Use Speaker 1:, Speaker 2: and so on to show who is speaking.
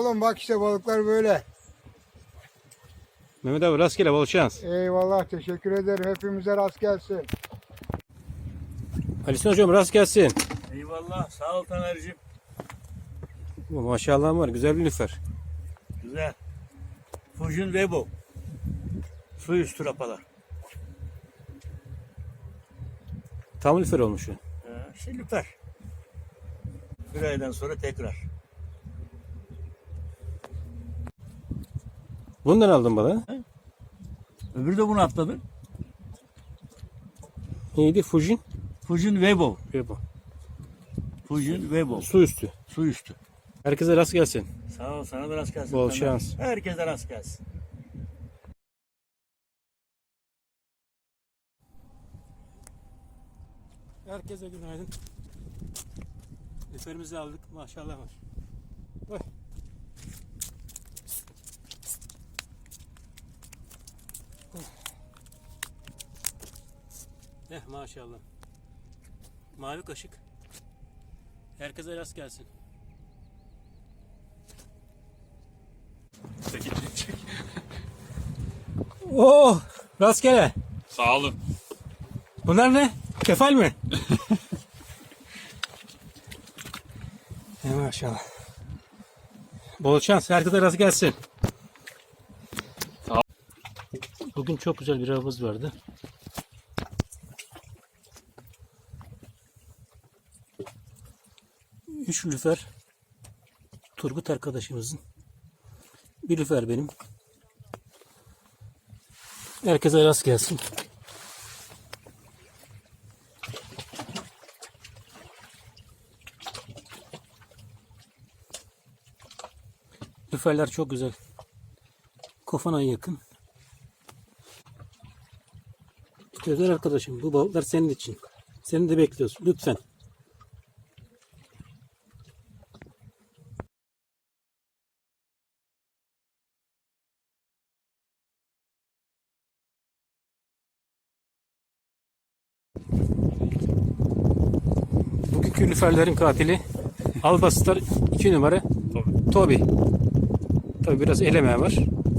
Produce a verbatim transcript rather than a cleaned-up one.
Speaker 1: oğlum, bak işte balıklar böyle.
Speaker 2: Mehmet abi rastgele, bol şans.
Speaker 1: Eyvallah, teşekkür ederim. Hepimize rast gelsin.
Speaker 2: Ali hocam rast gelsin.
Speaker 3: Eyvallah. Sağ ol Taner'cim.
Speaker 2: Maşallah var, güzel bir lüfer.
Speaker 3: Güzel. Fujin Weibo. Su üstü rapalar.
Speaker 2: Tam lüfer olmuş.
Speaker 3: Ee, işte lüfer. Bir aydan sonra tekrar.
Speaker 2: Bundan aldım balığı.
Speaker 3: Öbürü de bunu atladı.
Speaker 2: Neydi? Fujin.
Speaker 3: Fujin Weibo.
Speaker 2: Ve bu.
Speaker 3: Fujin Weibo.
Speaker 2: Su üstü.
Speaker 3: Su üstü.
Speaker 2: Herkese rast gelsin.
Speaker 3: Sağ ol. Sana da rast gelsin.
Speaker 2: Bol
Speaker 3: Taner.
Speaker 2: şans.
Speaker 3: Herkese rast gelsin.
Speaker 2: Herkese günaydın. Lüferimizi aldık. Maşallah var. Oy. Eh maşallah. Mavi kaşık. Herkese rast gelsin.
Speaker 4: Çek, çek.
Speaker 2: Oh, rastgele.
Speaker 4: Sağ olun.
Speaker 2: Bunlar ne? Kefal mi? He maşallah. Bol şans. Herkese rast gelsin.
Speaker 4: Sağ ol.
Speaker 2: Bugün çok güzel bir avımız vardı. Üç lüfer Turgut arkadaşımızın. Bir lüfer benim. Herkese rast gelsin. Lüferler çok güzel. Kofana'ya yakın. Özel arkadaşım, bu balıklar senin için. Seni de bekliyoruz. Lütfen. Bugünkü lüferlerin katili Albastar iki numara
Speaker 4: Tabii.
Speaker 2: Tobi. Tabi biraz eleme var.